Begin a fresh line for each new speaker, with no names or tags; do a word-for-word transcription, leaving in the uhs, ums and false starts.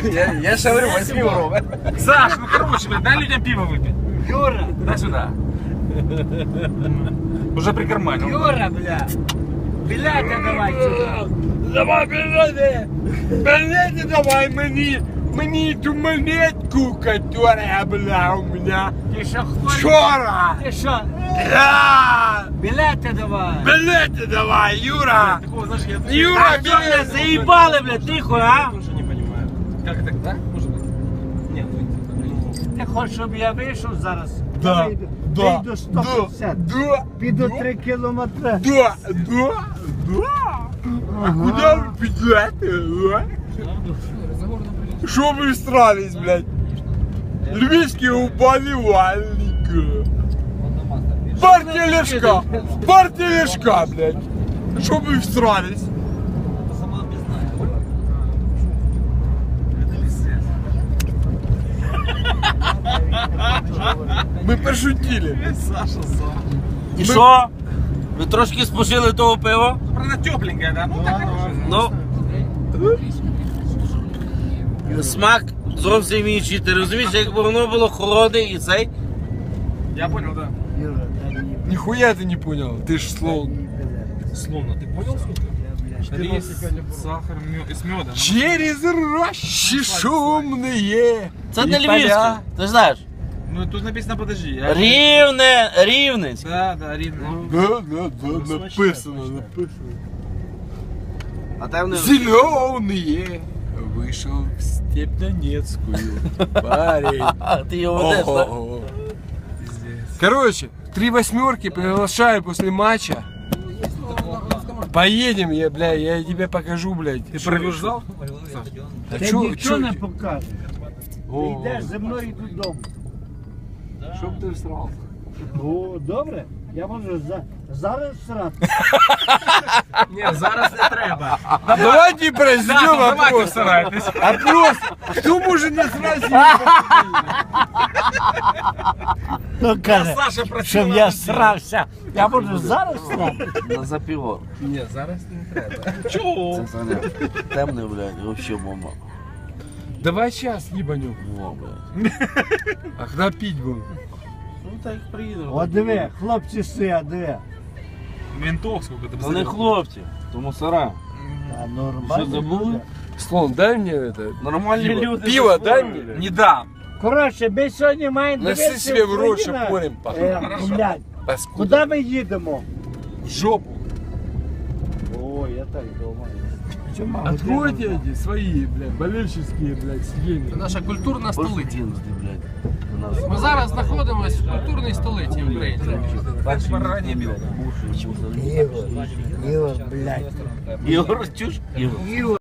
Я, я же говорю, возьми ровно.
Саш, ну короче, блядь, дай людям пиво выпить.
Юра,
Дай сюда. Уже прикарманил.
Юра, бля. Білети давай сюди.
Давай, билеты. Билеты давай мне. Мне ту монетку, которая была у меня
Ти що хворий?
вчора.
Ти що?
Да.
Білети давай.
Билеты давай, Юра.
Такого, знаешь, я
Юра,
А що, бля,
билеты.
заїбали, бля, тихо, а?
тоже не понимаю. Как это, да? Может быть? Нет,
Ти хочеш, щоб я вийшов зараз?
Да,
Я вийду,
да,
вийду сто п'ятдесят.
Да,
Піду
да.
три кілометри.
Да, да, да. А куда вы бежите, а? Что вы всрались, блядь? Львивский уболевальник. Партия Лешка. Партия Лешка, блядь. Что вы всрались? Мы пошутили.
Саша сам.
І що? Ви трошки спожили того пива?
Правда, тепленькая, да? Ну, так хорошо.
Ну, смак зовсім інший. Ти розумієш, якби воно було холодне і цей.
Я понял, да.
Юра, дай мені
Нихуя ты не понял. Ты ж слон.
Словно, ты понял, сколько? Рис, сахар, мед, и с медом.
Через рощи шумные.
Це
и
не
поля.
львівське, ти ж знаєш.
Ну, тут написано, подожди. я-
Рівне, рівненське.
Да, да, рівне.
Да, да, да, написано, написано.
А там не...
Зеленые. Вышел в степь Донецкую. Парень.
А, ти його ведеш, так?
Ого. Короче, три восьмерки приглашаю после матча. Поедем, я, бля, я тебе покажу, блядь.
Ты провожал?
А
Ти
чё-
нічого
чё-
не покажеш. Ти
О,
йдеш зі мною додому.
Чтоб ты всрал.
О, добре. Я можу за... зараз срати.
Ні, зараз не треба.
Давайте произведем
Давайте
опрос.
старайтесь.
Опрос. Кто может насрать?
Ну каже,
Саша просила.
щоб я срався. Я можу зараз срати.
На запівор.
Ні, зараз не треба. Чого?
Це Саня. Темне, блядь, вообще бомба.
Давай сейчас ебанем.
Во, блядь.
А когда пить будем?
Ну так приїдемо.
О, диви, хлопці стоять, диви.
Ментов сколько ты
Це не хлопці, то мусора.
А нормально.
Що, забули?
Слон, дай мне это.
Нормальні люди.
Пиво дай мне.
Не дам.
Коротше, ми сьогодні маємо
Носи
дивитися
себе в рот,
Україна.
щоб порем пахло.
Е, блядь,
Паскуда.
куди ми їдемо?
В жопу.
О, я так думаю. Чому?
Откройте эти свои, блядь, болельщические, блядь, сиденья.
Наша культурна столиця.
Пошутінські, блядь. У нас.
Ми зараз знаходимося в культурній столиці України.
Так барані бил.
Ігор, Ігор, блядь.
Ігор, чуш? Ігор.
Ігор.